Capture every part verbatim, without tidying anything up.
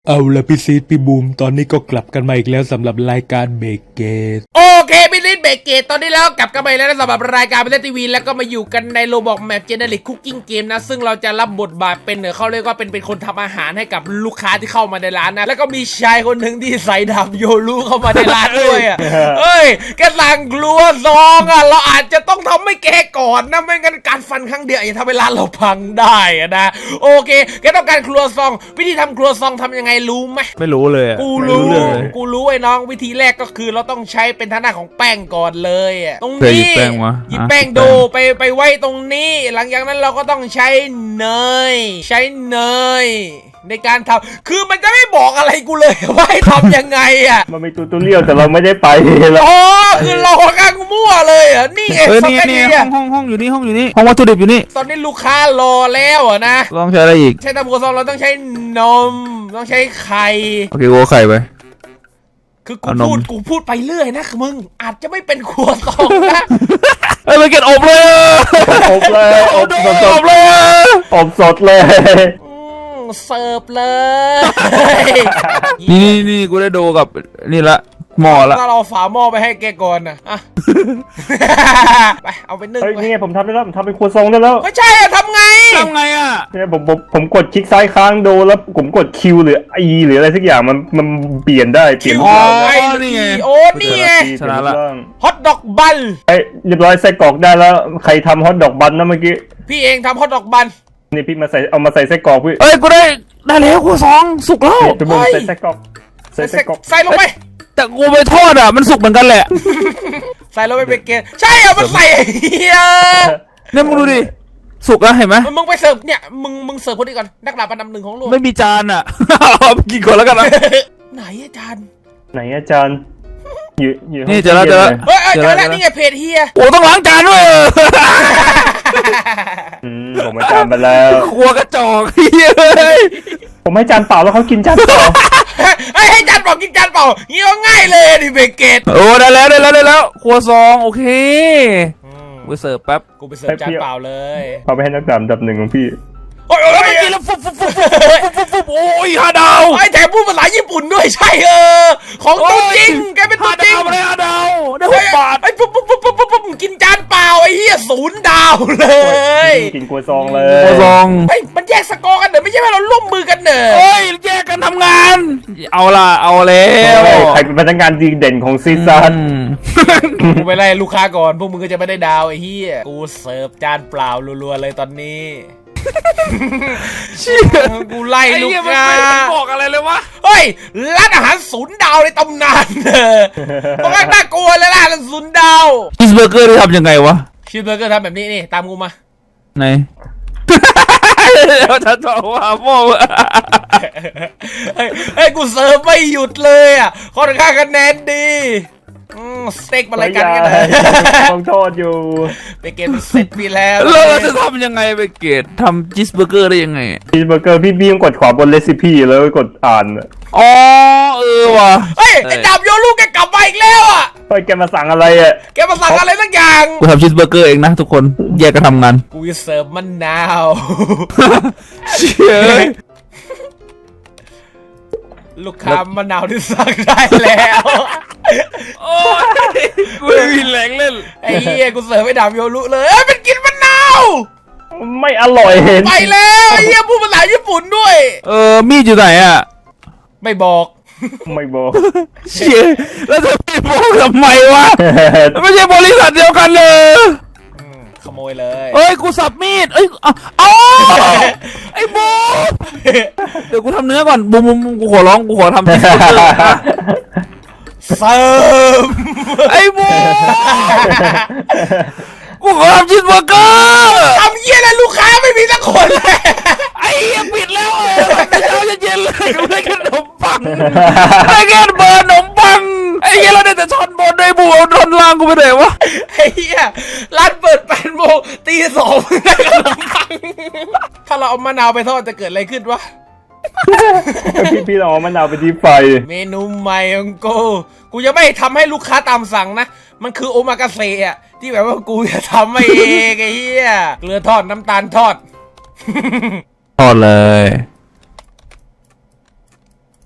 เอาละพี่ซีดพี่บูมตอนนี้ก็กลับกันมาอีกแล้วสำหรับรายการเบรกเกตโอเคพี่ลิศเบรกเกตตอนนี้แล้วกลับกันไปแล้วสำหรับรายการเป็นทีวีแล้วก็มาอยู่กันในโรบอกแมปเจเนริกคุกกิ้งเกมนะซึ่งเราจะรับบทบาทเป็นเขาเรียกว่าเป็นเป็นคนทำอาหารให้กับลูกค้าที่เข้ามาในร้านนะแล้วก็มีชายคนหนึ่งที่ใส่ดาบโยรุเข้ามาในร้านด้วยอ่ะเอ้ยแกสั่งกลัวซองอ่ะเราอาจจะต้องทำให้แกก่อนนะไม่งั้นการฟันครั้งเดียวอาจจะทำให้ร้านเราพังได้อะนะโอเคแกต้องการครัวซองวิธีทำครัวซองทำยังไงรู้ไหมไม่รู้เลยกูรู้กูรู้ไอ้น้องวิธีแรกก็คือเราต้องใช้เป็นทางด้านของแป้งก่อนเลยอ่ะตรงนี้หยิบแป้งวะหยิบแป้งโดไปไปไว้ตรงนี้หลังจากนั้นเราก็ต้องใช้เนยใช้เนยในการทำคือมันจะไม่บอกอะไรกูเลยว่าให้ทำยังไงอ่ะมันมีตูตูเรียวแต่เราไม่ได้ไปแล้วอ๋อคือเราค่อนข้างมั่วเลยอ่ะนี่เองเออนี่นี่ห้องห้องห้องอยู่นี่ห้องอยู่นี่ห้องวัตถุดิบอยู่นี่ตอนนี้ลูกค้ารอแล้วอ่ะนะลองใช้อะไรอีกใช้ตะบูซองเราต้องใช้นมต้องใช้ไข่โอเคโอ้ไข่ไปคือกูพูดกูพูดไปเรื่อยนะมึงอาจจะไม่เป็นครัวซองนะเอ้ยไปเก็บอบเลยอบเลยอบสดอบเลยอบสดเลยเสิร์ฟเลยนี่นี่นี่กูได้ดูกับนี่ละหม้อละถ้าเราฝาหม้อไปให้แกก่อนนะอ่ะไปเอาไปนึ่งเฮ้ยไปนี่ผมทำได้แล้วผมทำเป็นครัวซองได้แล้วไม่ใช่อะทำไงทำไงอะเนี่ยผมผมผมกดคลิกซ้ายค้างดูแล้วผมกดคิวหรือไอหรืออะไรสักอย่างมันมันเปลี่ยนได้เปลี่ยนอ๋อนี่ไงโอ้นี่ไงชนะละฮอทดอกบันไอเรียบร้อยไส้กรอกได้แล้วใครทำฮอทดอกบันนะเมื่อกี้พี่เองทำฮอทดอกบันนี่พี่มาใส่เอามาใส่ไส้กรอกพี่เอ้ยกูได้ได้แล้วครัวซองสุกแล้วไปบุ้มใส่ไส้กรอกใส่ไส้กรอกใส่ลงไปแต่กูไปทอดอ่ะมันสุกเหมือนกันแหละใส่ลงไปเป็นเกณฑ์ใช่เอามันใส่เฮียเนี่ยมึงดูดิสุกแล้วเห็นไหมมึงไปเสิร์ฟเนี่ยมึงมึงเสิร์ฟคนนี้ก่อนนักดาบอันดับหนึ่งของโลกไม่มีจานอ่ะเอากินก่อนแล้วกันนะไหนอาจารย์ไหนอาจารย์อยู่อยู่นี่เจอแล้วเจอแล้วเฮ้ยเจอแล้วนี่ไงเพจเฮียโอ้ต้องล้างจานด้วยอืมผมไม่จานไปแล้วครัวกระจอกเฮ้ยผมให้จานเปล่าแล้วเขากินจานเปล่าให้จานเปล่ากินจานเปล่าเงี้ยง่ายเลยดิเบเกตโอ้ได้แล้วได้แล้วได้แล้วครัวซองโอเคกูเสิร์ฟแป๊บกูไปเสิร์ฟจานเปล่าเลยเอาไปให้นักดำดับหนึ่งของพี่โอ้ยโอ้ยกินแล้วฟุบฟุบฟุบฟุบฟุบฟุบโอ้ยฮาดาวไอ้แถมพูดภาษาญี่ปุ่นด้วยใช่เออของตัวจริงแกเป็นตัวจริงอะไรฮาดาวได้หกบาทไอ้ปุ๊บปุ๊บปุ๊บปุ๊บปุ๊บกินจานเปล่าไอ้เหี้ยศูนย์ดาวเลยกินกัวซองเลยกัวซองเฮ้ยมันแยกสกอร์กันเด้อไม่ใช่ว่าเราร่วมมือกันเด้อเฮ้ยแยกกันทำงานเอาล่ะเอาแล้วใครเป็นพนักงานดีเด่นของซีซั่นกูไปไล่ลูกค้าก่อนพวกมึงก็จะไม่ได้ดาวไอ้เหี้ยกูเสิร์ฟจานเปล่ารัวๆเลยตอนนี้กูไล่ลูกค้าบอกอะไรเลยวะเฮ้ยร้านอาหารศูนย์ดาวในตำนานเออเพราะว่าน่ากลัวเลยร้านศูนย์ดาวชีสเบอร์เกอร์ที่ทำยังไงวะชีสเบอร์เกอร์ทำแบบนี้นี่ตามกูมาไหนเราจะบอกว่าโม่เฮ้ยกูเสิร์ฟไม่หยุดเลยอ่ะค่อนข้างคะแนนดีสเต็กมาอะไรกันกันเลยต้องโทษอยู่ไปเกตเสร็จไปแล้วเราจะทำยังไงไปเกตทำชีสเบอร์เกอร์ได้ยังไงชีสเบอร์เกอร์พี่บี้ต้องกดขวาบนเรซิปี้แล้วกดอ่านอ๋อเออว่ะเฮ้ยไอ้ดาบโยลูกแกกลับมาอีกแล้วอ่ะเฮ้ยแกมาสั่งอะไรอ่ะแกมาสั่งอะไรสักอย่างกูทำชีสเบอร์เกอร์เองนะทุกคนแยกกันทำงานกูจะเสิร์ฟมะนาวเชี่ยลูกค้ามะนาวที่สั่งได้แล้วโอ้ยกูไม่มีแรงเล่นไอ้เหี้ยกูเสิร์ฟให้ดาบโยรุเลยเอ้ยมันกินมะนาวไม่อร่อยเห็นไปแล้วไอ้เหี้ยพูดภาษาญี่ปุ่นด้วยเออมีดอยู่ไหนอ่ะไม่บอกไม่บอกเชี่ยแล้วจะไม่บอกทำไมวะไม่ใช่บริษัทเดียวกันเลยขโมยเลยเอ้ยกูสับมีดเอ้ยเอาไอ้บูเดี๋ยวกูทำเนื้อก่อนบูมบูมกูขอร้องกูขอทำชีสเบอร์เกอร์เสิร์ฟไอ้บูกูขอทำชีสเบอร์เกอร์ทำเยี่ยแล้วลูกค้าไม่มีสักคนเลยไอ้เหี้ยปิดแล้วเออแต่เช้าเย็นเลยกูได้แค่ขนมปังได้แค่เบอร์ขนมปังไอ้เหี้ยเราได้แต่ช้อนบนด้วยบูเอาช้อนล่างกูไปไหนวะไอ้เหี้ยร้านเปิดแปดโมงตีสองได้ขนมปังถ้าเราเอามะนาวไปทอดจะเกิดอะไรขึ้นวะพี่พี่ลองมะนาวไปที่ไฟเมนูใหม่ของกูกูจะไม่ทำให้ลูกค้าตามสั่งนะมันคือโอมากาเสะอะที่แบบว่ากูจะทำไม่เองไอ้เหี้ยเกลือทอดน้ำตาลทอดทอดเลย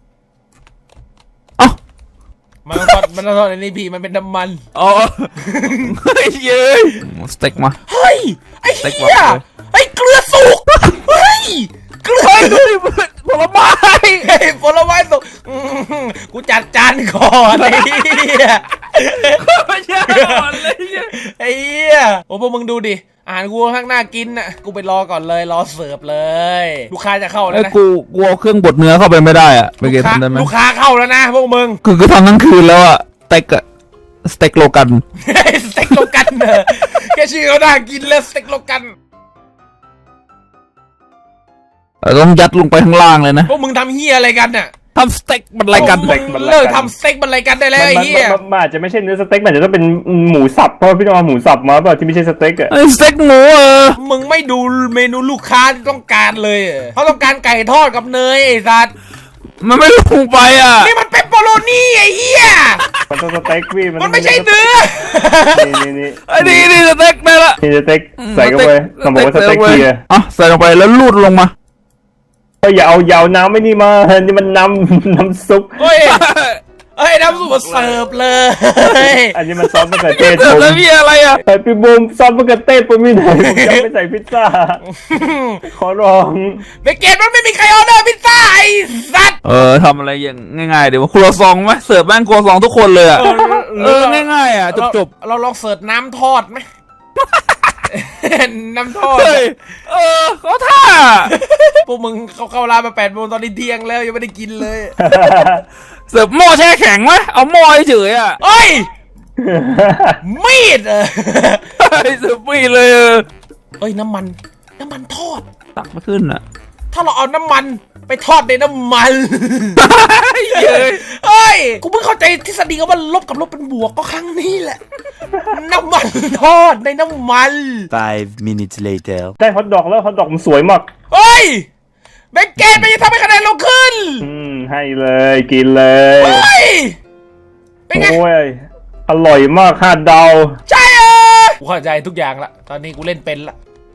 มันต้องทอดมันต้องทอดในนี้พี่มันเป็นน้ำมันอ๋อเฮ้ยเย้ยสเต็กมาเฮ้ยไอ้สเต็กเหี้ยว่ะไอ้เกลือสุกเฮ้ยเกลือเฮ้ยดูดิผลไม้เฮ้ยผลไม้สุกอื้อหือกูจัดจานก่อนไอ้เหี้ยไม่ใช่ก่อนเลยเนี่ยไอ้เหี้ยโอ้พวกมึงดูดิอาหารกูข้างหน้ากินน่ะกูไปรอก่อนเลยรอเสิร์ฟเลยลูกค้าจะเข้าแล้วไอ้นะกูกูเอาเครื่องบดเนื้อเข้าไปไม่ได้อะไปลูเก็กบค้าทำได้ไหมลูกค้าเข้าแล้วนะพวกมึงคือคือทำทั้งคืนแล้วอะสเต็กอะสเต็กโลกันสเต็กโลกันเนอะแค่ชื่อเขาน่ากินแล้วสเต็กโลกันต้องยัดลงไปข้างล่างเลยนะพวกมึงทำเฮียอะไรกันน่ะทำสเต็กมันอะไรกันพวมึงเลิกทำสเต็กมันอะไรกันได้แล้วไอ้มันเฮียมันมันอาจจะไม่ใช่เนื้อสเต็กมันอาจจะต้องเป็นหมูสับเพราะว่าพี่ต้องเอาหมูสับมาเปล่าที่ไม่ใช่สเต็กอะไอ้สเต็กหมูเออมึงไม่ดูเมนูลูกค้าที่ต้องการเลยเหรอเขาต้องการไก่ทอดกับเนยไอ้สัสมันไม่ลงไปอ่ะนี่มันเป็นโปโลนี่ไอ้เฮียมันต้องสเต็กพี่มันไม่ใช่เนื้อนี่นี่นี่ไอ้นี่นี่สเต็กได้ละนี่สเต็กใส่เข้าไปต้องบอกว่าสเต็กเกียร์อ่ะใส่ลงไปแล้วลูดลงมาก็อย่าเอายาวน้ำไม่นี่มานี่มันน้ำน้ำซุปเฮ้ยเฮ้ยน้ำซุปมาเสิร์ฟเลยอันนี้มันซอสมะเขือเทศเสิร์ผฟมแล้วพี่อะไรอ่ะเฮ้ยพี่บูมซอสมะเขือเทศผมมีไหนผมจะไม่ใส่พิซซ่าขอร้องเบเกตมันไม่มีใครออเดอร์พิซซ่าไอ้สัสเออทำอะไรอย่างง่ายๆเดี๋ยวว่าครัวซองไหมเสิร์ฟแม่งครัวซองทุกคนเลยอ่ะเออง่ายๆอ่ะจบเราลองเสิร์ฟน้ำทอดไหม น้ำทอๆดเฮ้ยเออเขาท่าพวกมึงเข้าเข้าร้านมาแปดโมงตอนนี้เที่ยงแล้วยังไม่ได้กินเลยเสิร์ฟหม้อแช่แข็งไหมเอาหม้อเฉยๆอ่ะเอ้ย มีดเออเสิร์ฟไม่เลยเออเอ้ยน้ำมัน น้ำมันทอดตักไม่ขึ้นอ่ะถ้าเราเอาน้ำมันไปทอดในน้ำมันเย้ยเอ้ย กูเพิ่งเข้าใจทฤษฎีว่าลบกับลบเป็นบวกก็ครั้งนี้แหละ น้ำมันทอดในน้ำมัน Five minutes later. ได้ฮอทดอกแล้วฮอทดอกมันสวยมากเฮ้ยแบงเกตมันจะทำให้คะแนนเราขึ้นอืมให้เลยกินเลยเฮ้ย เป็นไงโอ้ยอร่อยมากห้าดาวใช่เออกูเข้าใจทุกอย่างละ ตอนนี้กูเล่นเป็นละ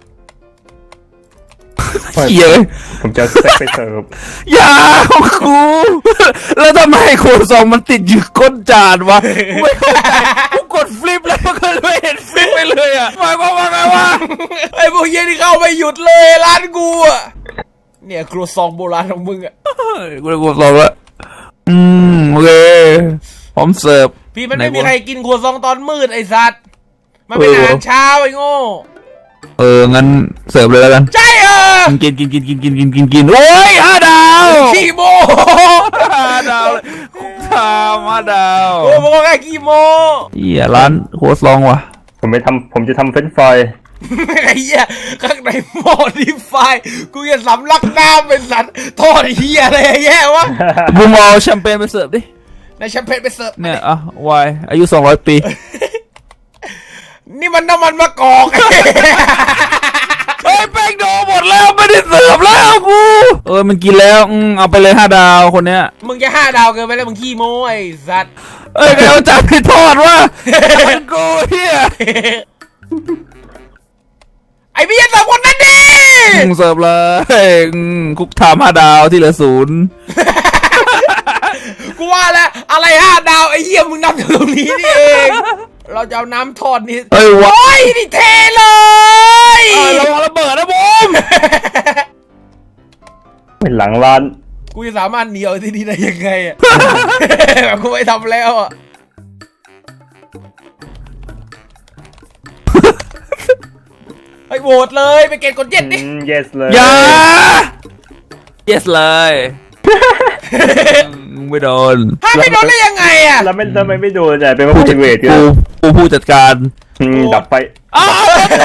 เย้ยผมจะเอาสเต็กไปเสิร์ฟอย่าของกูแล้วทำไมครัวซองมันติดอยู่ก้นจานวะกูไม่เข้าใจกูกดฟลิปแล้วมันก็ไม่เห็นฟลิปไปเลยอ่ะหมายความว่าไงวะไอ้พวกเหี้ยนี่เข้าไม่หยุดเลยร้านกูอะเนี่ยครัวซองโบราณของมึงอะกูเลยกดซองละอืมโอเคพร้อมเสิร์ฟพี่มันไม่มีใครกินครัวซองตอนมืดไอ้สัตว์มันเป็นอาหารเช้าไอ้โง่เอองั้นเสิร์ฟเลยแล้วกันใช่เออกินกินกินกินกินกินกินกินโอ้ยห้าดาวขี้โมห้าดาวเลยคุกคามห้าดาวโอ้โหแค่ขี้โมเหี้ยร้านครัวซองว่ะผมไปทำผมจะทำเฟรนช์ฟรายไอ้เหี้ยข้างในหม้อดีไฟกูจะสำลักน้ำเป็นสัตว์ทอดเหี้ยอะไรแย่วะบุมเอาแชมเปญไปเสิร์ฟดิในแชมเปญไปเสิร์ฟเนี่ยอ่ะวายอายุสองร้อยปีนี่มันน้ำมันมะกอกเฮ้ยแป้งโดหมดแล้วไม่ได้เสิร์ฟแล้วกูเออมันกินแล้วอืมเอาไปเลยห้าดาวคนเนี้ยมึงจะห้าดาวเกินไปแล้วมึงขี้โม้ไอ้สัตว์เอ้ยใครเอาจานไปทอดวะมันกูเฮียไอ้พี่ยันสองคนนั้นดิอืมเสิร์ฟเลยอืมคุกถามห้าดาวที่เหลือศูนย์กูว่าแล้วอะไรห้าดาวไอ้เหี้ยมึงนับจากตรงนี้นี่เองเราจะเอาน้ำทอดนี่เอ้ยวะโอ้ยนี่เทเลยเออระวังระเบิดนะบูมเป็นหลังร้านกูจะสามารถหนีออกที่นี่ได้ยังไงอะ แบบกูไม่ทำแล้วอะไอ้โหวตเลยไปเกณฑ์กดเย็ดดิอืม yes เลยอย่า yes เลยมึงไม่โดนถ้าไม่โดนได้ยังไงอะแล้วไม่ทำไมไม่โดนอ่ะเป็นว่าผู้จัดเวทกันกูกูผู้จัดการอืมดับไปอ้าว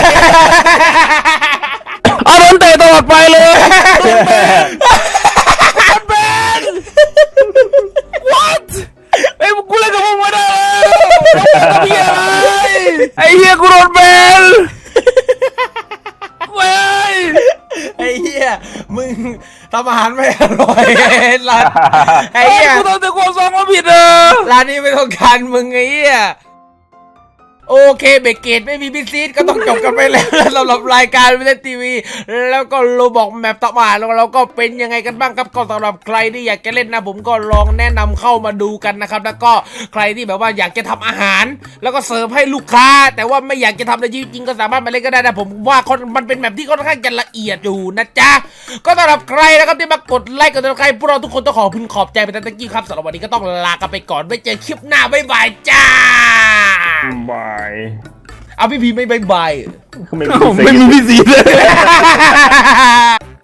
เอาโดนเตะตลอดไปเลยแบน what ไอ้กูเล่นกับมึงไม่ได้แล้วไอ้เหี้ยกูโดนแบนเว้ยไอ้เหี้ยมึงทำอาหารไม่อร่อยร้านไอ้ไอ้เหี้ยกูทำแต่ความซองมาผิดเออร้านนี้ไม่ต้องการมึงไอ้เหี้ยโอเคเบรกเกตไม่มีพิซีดก็ต้องจบกันไปแล้วสำหรับรายการเล่นทีวีแล้วก็โลบอกแมปต่อมาแล้วเราก็เป็นยังไงกันบ้างครับก็สำหรับใครที่อยากจะเล่นนะผมก็ลองแนะนำเข้ามาดูกันนะครับแล้วก็ใครที่แบบว่าอยากจะทำอาหาร แล้วก็เสิร์ฟให้ลูกค้า แต่ว่าไม่อยากจะทำในชีวิตจริงก็สามารถมาเล่นก็ได้นะผมว่ามันเป็นแมปที่ค่อนข้างจะละเอียดอยู่นะจ๊ะก็สำหรับใครนะครับที่มากดไลค์กดติดตามพวกเราทุกคนต้องขอพึงขอบใจไปตั้งแต่กี้ครับสำหรับวันนี้ก็ต้องลากันไปก่อนไว้เจอคลิปหน้าบ๊ายบายจ้าบายเอาพี่พีไม่บายบายคือไม่ไม่มีพี่สีเลยเหรอ